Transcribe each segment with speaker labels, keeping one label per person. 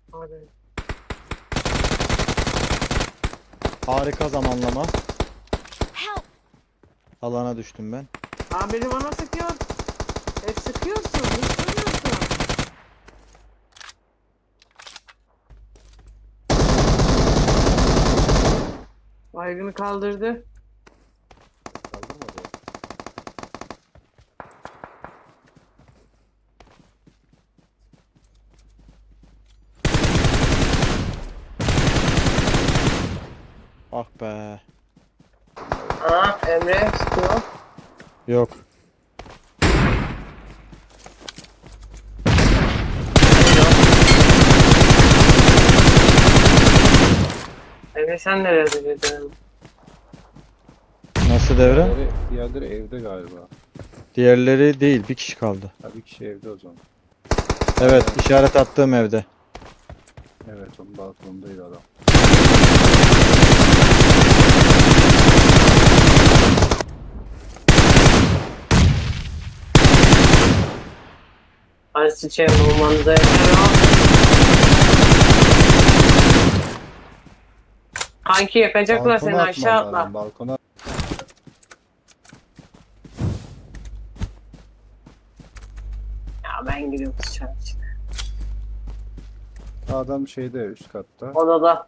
Speaker 1: Abi.
Speaker 2: Harika zamanlama.
Speaker 3: Help!
Speaker 2: Alana düştüm ben.
Speaker 1: Abi biri bana sıkıyor. Hep sıkıyorsun. Hiç duymuyorsun. Baygını kaldırdı.
Speaker 4: Kaldırmadı.
Speaker 2: Ah be.
Speaker 1: Aa, Emre sıkıyor.
Speaker 2: Yok.
Speaker 1: Emre sen nerede dedin?
Speaker 2: Nasıl devre?
Speaker 4: Diğerleri evde galiba.
Speaker 2: Diğerleri değil. Bir kişi kaldı.
Speaker 4: Ha, bir kişi evde o zaman.
Speaker 2: Evet, işaret attığım evde.
Speaker 4: Evet, onun balkonundaydı adam.
Speaker 1: Hadi sıçayım olmanıza yeter o. Kanki yakacaklar
Speaker 4: Balkona
Speaker 1: seni, aşağı
Speaker 4: atman lazım,
Speaker 1: atla.
Speaker 4: balkona.
Speaker 1: Ya ben gidiyorum dışarı çık.
Speaker 4: Adam şeyde, üst katta.
Speaker 1: Odada.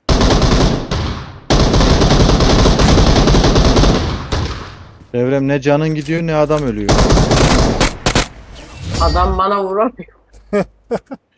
Speaker 2: Devrem ne canın gidiyor ne adam ölüyor.
Speaker 1: Adam bana vuramıyor.